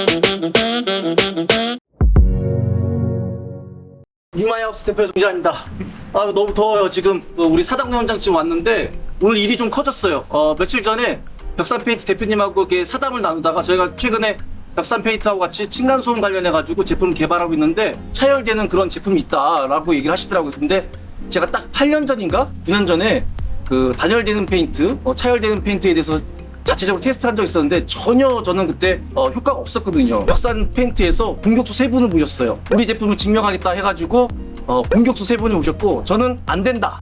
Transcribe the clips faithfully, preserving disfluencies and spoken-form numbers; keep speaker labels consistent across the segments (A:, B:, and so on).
A: 빅마이하우스 대표 정자입니다. 아 너무 더워요. 지금 우리 사당로 현장 지금 왔는데 오늘 일이 좀 커졌어요. 어, 며칠 전에 벽산 페인트 대표님하고 이렇게 사담을 나누다가 저희가 최근에 벽산 페인트하고 같이 층간소음 관련해 가지고 제품을 개발하고 있는데 차열되는 그런 제품이 있다라고 얘기를 하시더라고요. 근데 제가 딱 팔 년 전인가 구 년 전에 그 단열되는 페인트, 어, 차열되는 페인트에 대해서 자체적으로 테스트한 적이 있었는데 전혀 저는 그때 어, 효과가 없었거든요. 벽산 페인트에서 공격수 세 분을 모셨어요. 우리 제품을 증명하겠다 해가지고 어, 공격수 세 분을 모셨고 저는 안 된다.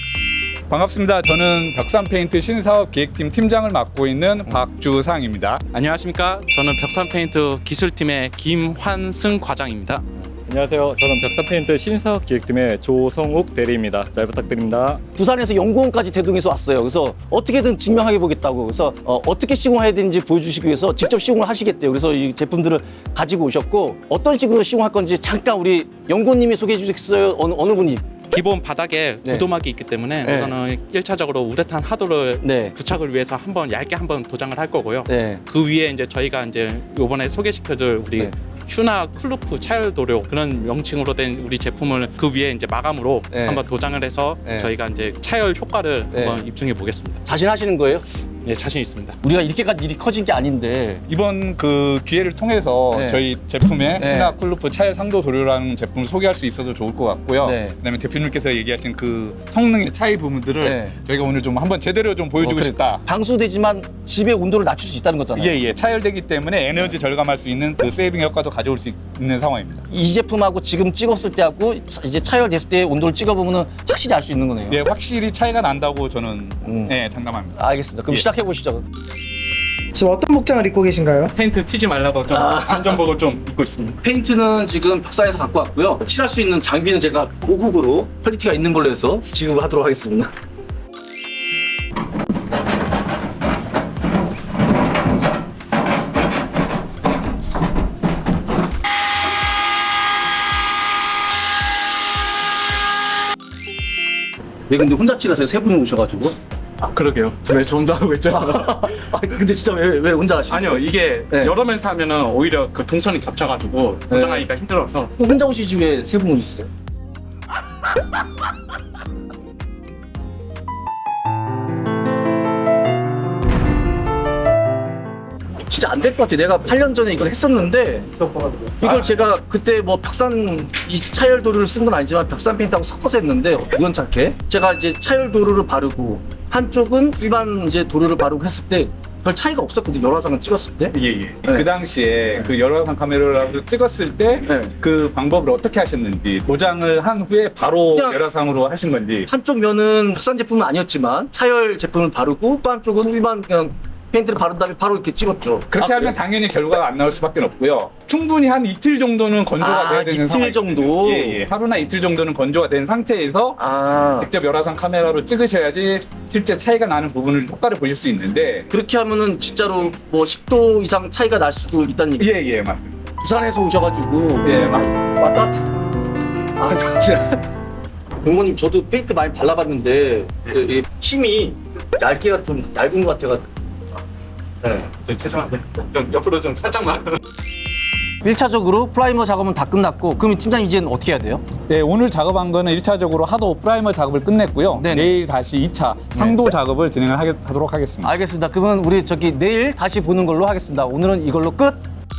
B: 반갑습니다. 저는 벽산 페인트 신사업 기획팀 팀장을 맡고 있는 박주상입니다.
C: 안녕하십니까. 저는 벽산 페인트 기술팀의 김환승 과장입니다.
D: 안녕하세요. 저는 벽산 페인트 신사업 기획팀의 조성욱 대리입니다. 잘 부탁드립니다.
A: 부산에서 연구원까지 대동해서 왔어요. 그래서 어떻게든 증명해 보겠다고. 그래서 어, 어떻게 시공해야 되는지 보여주시기 위해서 직접 시공을 하시겠대요. 그래서 이 제품들을 가지고 오셨고 어떤 식으로 시공할 건지 잠깐 우리 연구원님이 소개해 주시겠어요? 어느, 어느 분이?
C: 기본 바닥에
A: 네.
C: 구도막이 있기 때문에
A: 네.
C: 우선은 일 차적으로 우레탄 하도를
A: 네.
C: 부착을 위해서 한번 얇게 한번 도장을 할 거고요.
A: 네.
C: 그 위에 이제 저희가 이제 이번에 소개시켜줄 우리
A: 네.
C: 슈나 클루프 차열 도료 그런 명칭으로 된 우리 제품을 그 위에 이제 마감으로
A: 네.
C: 한번 도장을 해서
A: 네.
C: 저희가 이제 차열 효과를
A: 네.
C: 한번 입증해 보겠습니다.
A: 자신하시는 거예요?
C: 예, 자신 있습니다.
A: 우리가 이렇게까지 일이 커진 게 아닌데
B: 이번 그 기회를 통해서
A: 네.
B: 저희 제품의
A: 네.
B: 신화 쿨루프 차열 상도 도료라는 제품을 소개할 수 있어서 좋을 것 같고요.
A: 네.
B: 그다음에 대표님께서 얘기하신 그 성능의 차이 부분들을
A: 네.
B: 저희가 오늘 좀 한번 제대로 좀 보여주고
A: 어, 그래.
B: 싶다.
A: 방수되지만 집의 온도를 낮출 수 있다는 거잖아요.
B: 예예. 차열되기 때문에 에너지 절감할 수 있는 그 세이빙 효과도 가져올 수 있는 상황입니다.
A: 이 제품하고 지금 찍었을 때하고 차- 이제 차열됐을 때 온도를 찍어보면 확실히 알 수 있는 거네요.
B: 예, 확실히 차이가 난다고 저는
A: 음.
B: 예, 장담합니다.
A: 알겠습니다. 그럼
B: 예.
A: 시작해 보시죠.
E: 지금 어떤 복장을 입고 계신가요?
C: 페인트 튀지 말라고 좀
A: 아.
C: 안전복을 좀 입고 있습니다.
A: 페인트는 지금 벽산에서 갖고 왔고요. 칠할 수 있는 장비는 제가 고급으로 퀄리티가 있는 걸로 해서 지급을 하도록 하겠습니다. 왜 근데 혼자 칠하세요? 세 분이 오셔가지고.
C: 아, 그러게요. 왜 저 혼자 하고 있죠?
A: 아 근데 진짜 왜, 왜 혼자 하시죠?
C: 아니요, 이게
A: 네.
C: 여러 명이서 하면은 오히려 그 동선이 겹쳐가지고
A: 네.
C: 도장하기가 힘들어서.
A: 혼자 오시지 왜 세 분 오셨어요? 진짜 안 될 것 같아. 내가 팔 년 전에 이걸 했었는데 이걸 제가 그때 뭐 벽산 이 차열 도료를 쓴 건 아니지만 벽산 페인트하고 섞어서 했는데 우연찮게 제가 이제 차열 도료를 바르고 한쪽은 일반 이제 도료를 바르고 했을 때 별 차이가 없었거든요. 열화상을 찍었을 때.
B: 예, 예. 그 당시에 그 열화상 카메라로 찍었을 때 그
A: 네.
B: 방법을 어떻게 하셨는지 도장을 한 후에 바로
A: 그냥-
B: 열화상으로 하신 건지.
A: 한쪽 면은 벽산 제품은 아니었지만 차열 제품을 바르고 또 한쪽은 일반 그냥 페인트를 바른 다음에 바로 이렇게 찍었죠.
B: 그렇게
A: 아,
B: 하면 당연히 결과가 안 나올 수밖에 없고요. 충분히 한 이틀 정도는 건조가
A: 아,
B: 돼야 되는
A: 이틀
B: 상황이
A: 정도?
B: 예, 예. 하루나 이틀 정도는 건조가 된 상태에서
A: 아
B: 직접 열화상 카메라로 찍으셔야지 실제 차이가 나는 부분을 효과를 보실 수 있는데.
A: 그렇게 하면은 진짜로 뭐 십 도 이상 차이가 날 수도 있다는 얘기.
B: 예, 예, 맞습니다.
A: 부산에서 오셔가지고
B: 예, 맞습니다.
A: 왔다. 아 진짜. 공무님 저도 페인트 많이 발라봤는데 이- 이 힘이 얇기가 좀 얇은 것 같아가지고. 네.
C: 저 죄송한데 좀 옆으로 좀 살짝만.
A: 일 차적으로 프라이머 작업은 다 끝났고 그럼 팀장님 이제는 어떻게 해야 돼요?
B: 네, 오늘 작업한 거는 일 차적으로 하도 프라이머 작업을 끝냈고요.
A: 네네.
B: 내일 다시 이 차 상도 작업을 진행을 하게, 하도록 하겠습니다.
A: 알겠습니다. 그러면 우리 저기 내일 다시 보는 걸로 하겠습니다. 오늘은 이걸로 끝.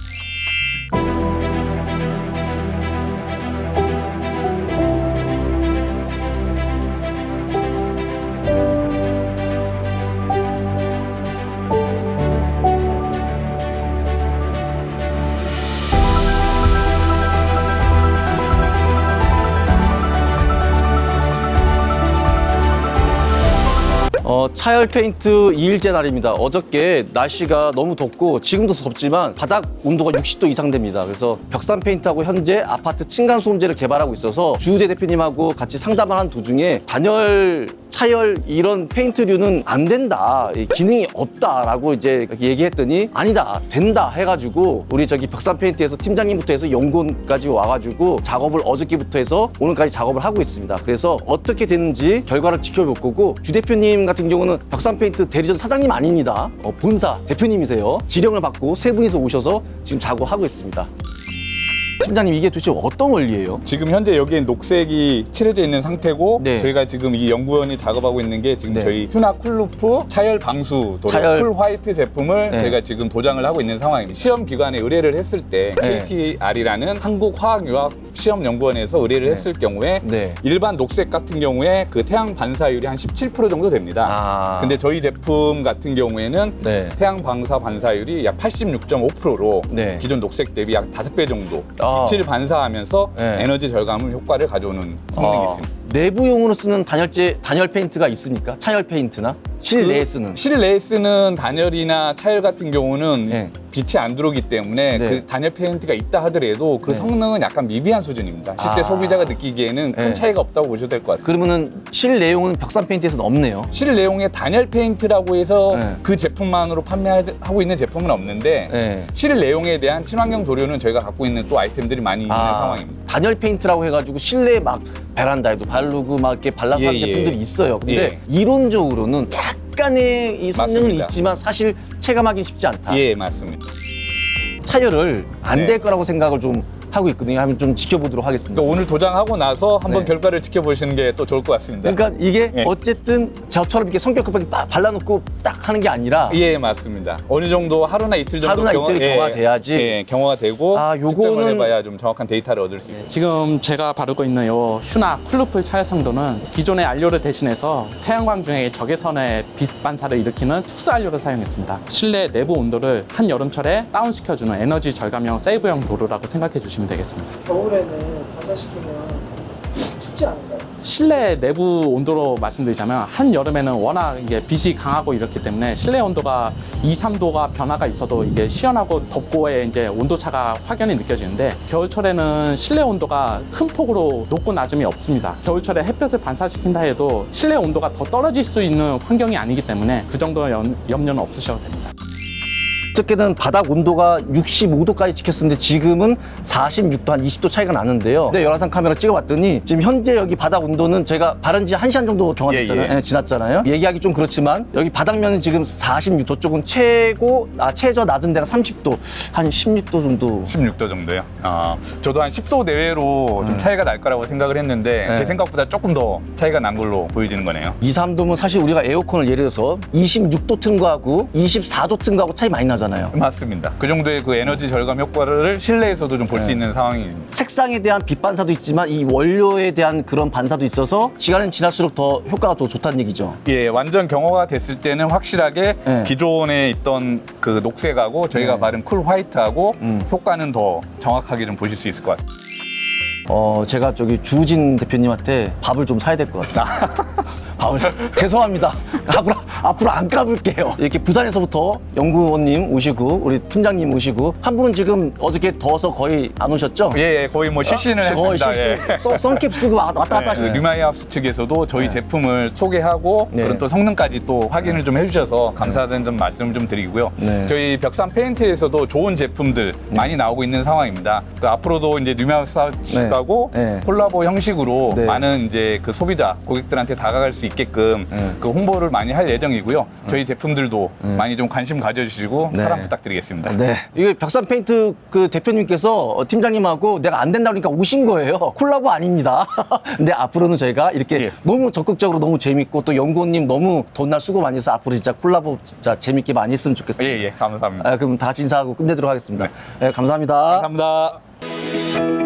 A: 어, 차열 페인트 이 일째 날입니다. 어저께 날씨가 너무 덥고 지금도 덥지만 바닥 온도가 육십 도 이상 됩니다. 그래서 벽산 페인트하고 현재 아파트 층간소음제를 개발하고 있어서 주우재 대표님하고 같이 상담을 한 도중에 단열, 차열 이런 페인트류는 안 된다. 이 기능이 없다라고 이제 얘기했더니 아니다. 된다 해가지고 우리 저기 벽산 페인트에서 팀장님부터 해서 연구원까지 와가지고 작업을 어저께부터 해서 오늘까지 작업을 하고 있습니다. 그래서 어떻게 되는지 결과를 지켜볼 거고 주 대표님 같은 경우는 경우는 벽산페인트 대리점 사장님 아닙니다. 어, 본사 대표님이세요. 지령을 받고 세 분이서 오셔서 지금 작업하고 있습니다. 팀장님, 이게 도대체 어떤 원리예요?
B: 지금 현재 여기에 녹색이 칠해져 있는 상태고
A: 네.
B: 저희가 지금 이 연구원이 작업하고 있는 게 지금
A: 네.
B: 저희 휴나 쿨루프 차열 방수 도료
A: 차열-
B: 쿨 화이트 제품을
A: 네.
B: 저희가 지금 도장을 하고 있는 상황입니다. 시험 기관에 의뢰를 했을 때
A: 네.
B: 케이티알이라는 한국화학유학 시험연구원에서 의뢰를
A: 네.
B: 했을 경우에
A: 네.
B: 일반 녹색 같은 경우에 그 태양 반사율이 한 십칠 퍼센트 정도 됩니다.
A: 아.
B: 근데 저희 제품 같은 경우에는
A: 네.
B: 태양 방사 반사율이 약 팔십육 점 오 퍼센트로
A: 네.
B: 기존 녹색 대비 약 다섯 배 정도
A: 아.
B: 빛을 반사하면서
A: 네.
B: 에너지 절감 효과를 가져오는 성능이
A: 어,
B: 있습니다.
A: 내부용으로 쓰는 단열재, 단열 페인트가 있습니까? 차열 페인트나? 실내에 쓰는.
B: 실내에 쓰는 단열이나 차열 같은 경우는
A: 네.
B: 빛이 안 들어오기 때문에
A: 네.
B: 그 단열 페인트가 있다 하더라도 그
A: 네.
B: 성능은 약간 미비한 수준입니다. 실제
A: 아.
B: 소비자가 느끼기에는 큰
A: 네.
B: 차이가 없다고 보셔도 될 것 같습니다.
A: 그러면은 실내용은 벽산 페인트에서는 없네요.
B: 실내용의 단열 페인트라고 해서
A: 네.
B: 그 제품만으로 판매하고 있는 제품은 없는데
A: 네.
B: 실내용에 대한 친환경 도료는 저희가 갖고 있는 또 아이템들이 많이 있는 상황입니다.
A: 단열 페인트라고 해가지고 실내 막 베란다에도 바르고 막 이렇게 발라서
B: 예,
A: 하는
B: 예.
A: 제품들이 있어요. 근데
B: 예.
A: 이론적으로는 약간의 이 성능은
B: 맞습니다.
A: 있지만 사실 체감하기 쉽지 않다.
B: 예, 맞습니다.
A: 차열을 안
B: 네.
A: 될 거라고 생각을 좀 하고 있거든요. 한번 좀 지켜보도록 하겠습니다.
B: 그러니까 오늘 도장하고 나서 한번
A: 네.
B: 결과를 지켜보시는 게 또 좋을 것 같습니다.
A: 그러니까 이게
B: 네.
A: 어쨌든 저처럼 이렇게 성격 급하게 빡 발라놓고 딱 하는 게 아니라
B: 예, 맞습니다. 어느 정도 하루나 이틀 정도
A: 하루나 이틀이 경화가 돼야지.
B: 예, 경화가 되고
A: 아, 요거는-
B: 측정을 해봐야 좀 정확한 데이터를 얻을 수 있습니다.
C: 지금 제가 바르고 있는 요 휴나 쿨루프 차열 상도는 기존의 안료를 대신해서 태양광 중에 적외선의 빛 반사를 일으키는 특수 안료를 사용했습니다. 실내 내부 온도를 한 여름철에 다운시켜주는 에너지 절감형 세이브형 도료라고 생각해 주시면 되겠습니다.
E: 겨울에는 반사시키면 춥지 않을까요?
C: 실내 내부 온도로 말씀드리자면 한 여름에는 워낙 이게 빛이 강하고 이렇기 때문에 실내 온도가 이, 삼 도가 변화가 있어도 이게 시원하고 덥고의 이제 온도차가 확연히 느껴지는데 겨울철에는 실내 온도가 큰 폭으로 높고 낮음이 없습니다. 겨울철에 햇볕을 반사시킨다 해도 실내 온도가 더 떨어질 수 있는 환경이 아니기 때문에 그 정도 염, 염려는 없으셔도 됩니다.
A: 어저께는 바닥 온도가 육십오 도까지 찍혔었는데 지금은 사십육 도, 한 이십 도 차이가 나는데요. 근데 열화상 카메라 찍어봤더니 지금 현재 여기 바닥 온도는 제가 바른 지 한 시간 정도 경화됐잖아요.
B: 예, 예.
A: 예, 지났잖아요. 얘기하기 좀 그렇지만 여기 바닥면은 지금 사십육 도, 저쪽은 최고, 아, 최저 낮은 데가 삼십 도, 한 십육 도 정도.
B: 십육 도 정도요. 아, 저도 한 십 도 내외로 좀 차이가 날 거라고 생각을 했는데
A: 네.
B: 제 생각보다 조금 더 차이가 난 걸로 보여지는 거네요.
A: 이, 삼 도면 사실 우리가 에어컨을 예를 들어서 이십육 도 튼 거하고 이십사 도 튼 거하고 차이 많이 나잖아요.
B: 맞습니다. 그 정도의 그 에너지 절감 효과를 실내에서도 좀 볼 수
A: 네.
B: 있는 상황입니다.
A: 색상에 대한 빛 반사도 있지만 이 원료에 대한 그런 반사도 있어서 시간이 지날수록 더 효과가 더 좋다는 얘기죠.
B: 예, 완전 경화가 됐을 때는 확실하게
A: 네.
B: 기존에 있던 그 녹색하고 저희가
A: 네.
B: 바른 쿨 화이트하고
A: 음.
B: 효과는 더 정확하게 좀 보실 수 있을 것 같습니다.
A: 어, 제가 저기 주우진 대표님한테 밥을 좀 사야 될 것 같아요. 밥을 사... 죄송합니다. 앞으로, 앞으로 안 까불게요. 이렇게 부산에서부터 연구원님 오시고 우리 팀장님 오시고 한 분은 지금 어저께 더워서 거의 안 오셨죠?
B: 예, 예, 거의 뭐 실신을
A: 거의
B: 했습니다.
A: 실수.
B: 예.
A: 선- 선캡 쓰고 왔다 갔다
B: 네, 그
A: 하시네.
B: 뉴마이하우스 측에서도 저희
A: 네.
B: 제품을 소개하고
A: 네.
B: 그런 또 성능까지 또 확인을 좀 해주셔서 감사하다는 점 말씀을 좀 드리고요.
A: 네.
B: 저희 벽산 페인트에서도 좋은 제품들 많이 나오고 있는 상황입니다. 그 앞으로도 이제 뉴마이하우스 측하고
A: 네.
B: 콜라보 형식으로
A: 네.
B: 많은 이제 그 소비자 고객들한테 다가갈 수 있게끔
A: 네.
B: 그 홍보를 많이 할 예정이고요. 저희 제품들도
A: 네.
B: 많이 좀 관심 가져주시고
A: 네.
B: 사랑 부탁드리겠습니다.
A: 네. 이게 벽산 페인트 그 대표님께서 어, 팀장님하고 내가 안 된다 그러니까 오신 거예요. 콜라보 아닙니다. 근데 앞으로는 저희가 이렇게
B: 예.
A: 너무 적극적으로 너무 재밌고 또 연구원님 너무 돈날 수고 많이 해서 앞으로 진짜 콜라보 진짜 재밌게 많이 했으면 좋겠습니다.
B: 예, 예, 감사합니다.
A: 아, 그럼 다 같이 인사하고 끝내도록 하겠습니다. 네, 감사합니다.
B: 감사합니다.